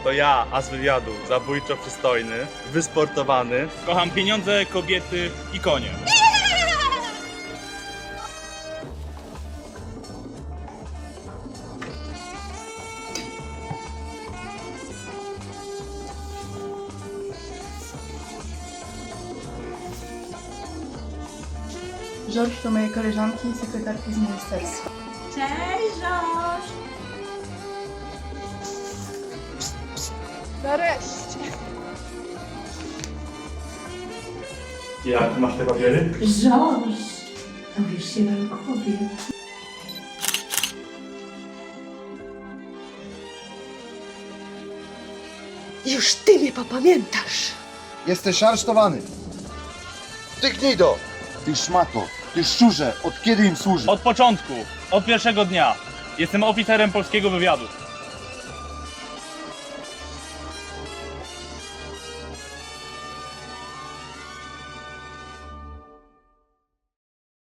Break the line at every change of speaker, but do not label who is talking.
To ja, as wywiadu, zabójczo przystojny, wysportowany.
Kocham pieniądze, kobiety i konie.
Żorż to moje koleżanki i sekretarki z ministerstwa.
Cześć, Żorż!
Nareszcie!
Jak masz te papiery?
Żorż! Dowiesz się na głowie.
Już ty mnie popamiętasz.
Jesteś aresztowany. Ty gnido! Ty szmato! Ty szczurze! Od kiedy im służysz?
Od początku, od pierwszego dnia. Jestem oficerem polskiego wywiadu.